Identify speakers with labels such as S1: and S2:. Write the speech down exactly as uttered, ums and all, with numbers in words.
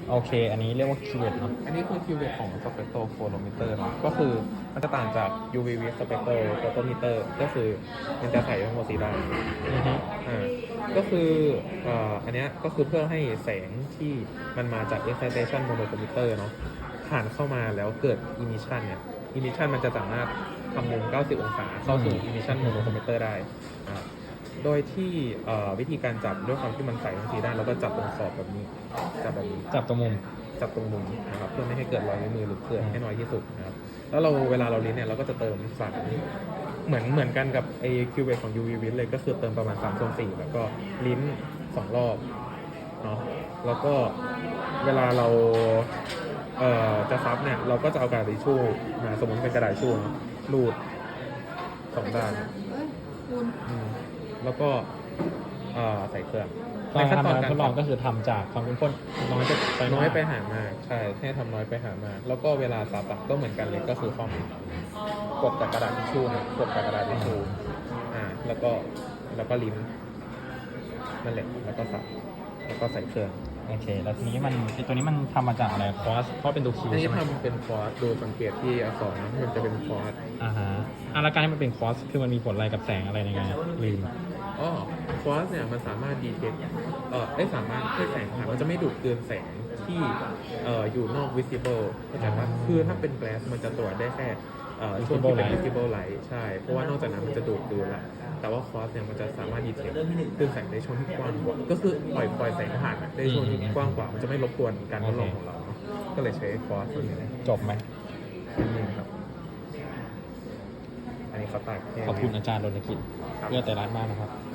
S1: โอเคอันนี้เรียกว่าคิวเวตเนาะ
S2: อันนี้คือคิวเวตของสเปกโตรโฟโลมิเตอร์เนาะก็คือมันจะต่างจาก ยู วี with spectral photometer ก็คือมันจะใส่ทั้งหมดสีด้านอ่าก็คือเอ่ออันเนี้ยก็คือเพื่อให้แสงที่มันมาจาก excitation monochromator เนาะผ่านเข้ามาแล้วเกิด emission เนี่ย emission มันจะสามารถทำมุมเก้าสิบองศาเข้าสู่ emission monochromator ได้นะครับโดยที่วิธีการจับด้วยความที่มันใส่ทั้งสีด้านแล้วก็จับตรงขอบแบบนี้จับแบบนี้
S1: จับตรงมุม
S2: จับตรงมุมนะครับเพื่อไม่ให้เกิดรอยนิ้วมือหรือเกิดให้น้อยที่สุดนะครับแล้วเราเวลาเราลิ้นเนี่ยเราก็จะเติมสารเหมือนเหมือนกันกับไอคิวเวของ ยู วี วิทเลยก็คือเติมประมาณสามส่วนสี่แล้วก็ลิ้นสองรอบเนาะแล้วก็เวลาเราเอ่อจะซับเนี่ยเราก็จะเอากระดาษทิชชู่มาสมมติเป็นกระดาษทิชชู่รูดสองด้านอืมแล้วก็เอ่อใส่เครื่อง
S1: ตอนทำการทดลองก็คือทำจากความเข้มข้นน้อยไป
S2: น้อยไปหามากใช่ให้ทำน้อยไปหามากแล้วก็เวลาซับอะก็เหมือนกันเลยก็คือข้อมือกดจากกระดาษทิชชู่นะกดจากกระดาษทิชชู่อ่าแล้วก็แล้วก็ลิ้นนั่นแหละแล้วก็ซับแล้วก็ใส่เครื่อง
S1: โอเคแล้วทีนี้มันตัวนี้มันทำมาจากอะไรคอสเพราะเป็นตัวคิว
S2: อันนี้
S1: ใช่ไหม
S2: ทำเป็นคอร์สดูสังเกตที่อักษรนะมันจะเป็นคอร์ส
S1: อ่าฮะอ่ะแล้วการที่มันเป็นคอสคือมันมีผลอะไรกับแสงอะไรในไงลืม
S2: อ๋อคอร์สเนี่ยมันสามารถดีเทคเอ่อได้สามารถให้แสงผ่านมันจะไม่ดูดเกินแสงที่เอ่ออยู่นอก visible เข้าใจปะคือถ้าเป็น glass มันจะตรวจได้แค่เอ่อช่วงที่เป็น visible light ใช่เพราะว่านอกจากนั้นมันจะดูดเกินละแต่ว่าคอร์สเนี่ยมันจะสามารถดีเทคคลื่นแสงในช่วงที่กว้างกว่าก็คือปล่อยปล่อยแสงผ่านได้ช่วงที่กว้างกว่ามันจะไม่รบกวนการทดลองของเราก็เลยใช้คอร์สตัวนี้
S1: จบไหม
S2: นี่ครับอันนี้เขาตัด
S1: ขอบคุณอาจารย์รณกิจเพื่อแต่ร้านมากนะครับ